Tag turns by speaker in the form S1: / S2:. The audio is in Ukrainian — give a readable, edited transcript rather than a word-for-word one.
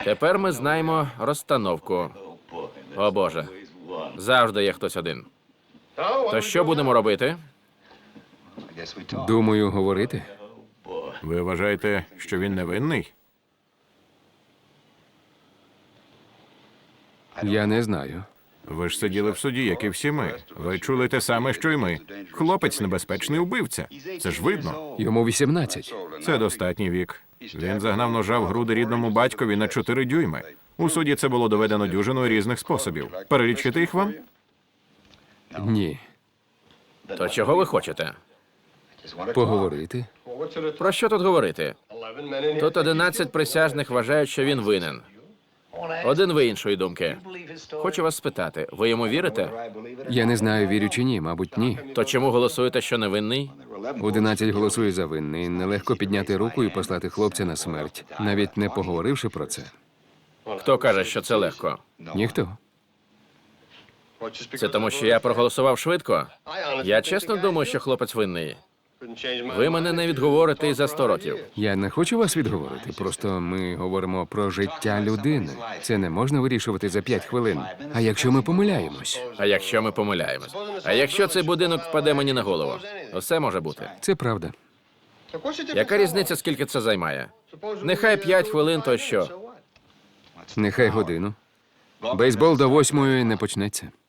S1: Тепер ми знаємо розстановку. О Боже, завжди є хтось один. То що будемо робити?
S2: Думаю, говорити.
S3: Ви вважаєте, що він невинний?
S2: Я не знаю.
S3: Ви ж сиділи в суді, як і всі ми. Ви чули те саме, що й ми. Хлопець небезпечний убивця. Це ж видно.
S2: Йому 18.
S3: Це достатній вік. Він загнав ножа в груди рідному батькові на 4 дюйми. У суді це було доведено дюжиною різних способів. Перелічити їх вам?
S2: Ні.
S1: То чого ви хочете?
S2: Поговорити.
S1: Про що тут говорити? Тут 11 присяжних вважають, що він винен. Один ви іншої думки. Хочу вас спитати, ви йому вірите?
S2: Я не знаю, вірю чи ні, мабуть, ні.
S1: То чому голосуєте, що невинний?
S2: 11 голосує за винний. Нелегко підняти руку і послати хлопця на смерть, навіть не поговоривши про це.
S1: Хто каже, що це легко?
S2: Ніхто.
S1: Це тому, що я проголосував швидко? Я чесно думаю, що хлопець винний. Ви мене не відговорите і за 100 років.
S2: Я не хочу вас відговорити. Просто ми говоримо про життя людини. Це не можна вирішувати за 5 хвилин. А якщо ми помиляємось?
S1: А якщо ми помиляємось? А якщо цей будинок впаде мені на голову? Усе може бути.
S2: Це правда.
S1: Яка різниця, скільки це займає? Нехай 5 хвилин, то що?
S2: Нехай годину. Бейсбол до 8 не почнеться.